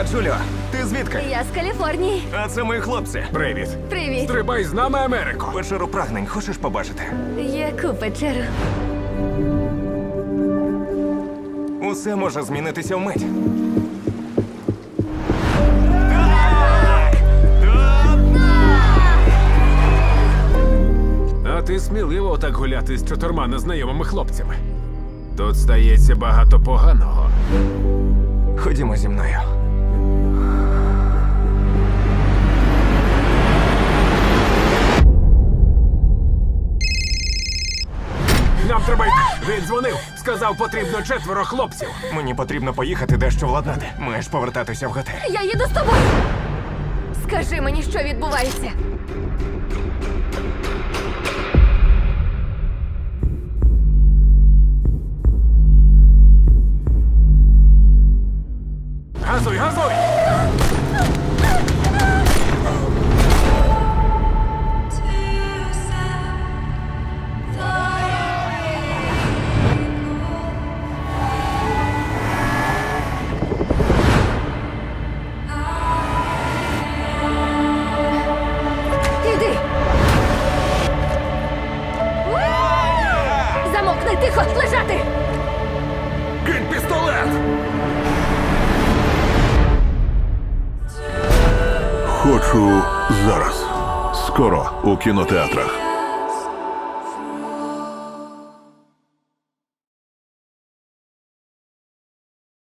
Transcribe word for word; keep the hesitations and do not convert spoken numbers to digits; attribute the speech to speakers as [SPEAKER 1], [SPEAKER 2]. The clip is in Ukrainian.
[SPEAKER 1] Джуліо, ти звідки?
[SPEAKER 2] Я з Каліфорнії.
[SPEAKER 1] А це мої хлопці.
[SPEAKER 3] Привіт.
[SPEAKER 2] Привіт.
[SPEAKER 3] Стрибай з нами, Америко.
[SPEAKER 1] Печеру прагнень хочеш побачити?
[SPEAKER 2] Яку печеру?
[SPEAKER 1] Усе може змінитися вмить.
[SPEAKER 3] А ти сміливо так гуляти з чотирма незнайомими хлопцями. Тут стається багато поганого.
[SPEAKER 1] Ходімо зі мною.
[SPEAKER 3] Нам треба йти. Він дзвонив. Сказав, потрібно четверо хлопців.
[SPEAKER 1] Мені потрібно поїхати дещо владнати. Маєш повертатися в готель.
[SPEAKER 2] Я їду з тобою. Скажи мені, що відбувається.
[SPEAKER 3] Газуй, газуй!
[SPEAKER 2] Іди. Замовкни, тихо, лежати.
[SPEAKER 3] Кинь пістолет!
[SPEAKER 4] Хочу зараз. Скоро у кінотеатрах.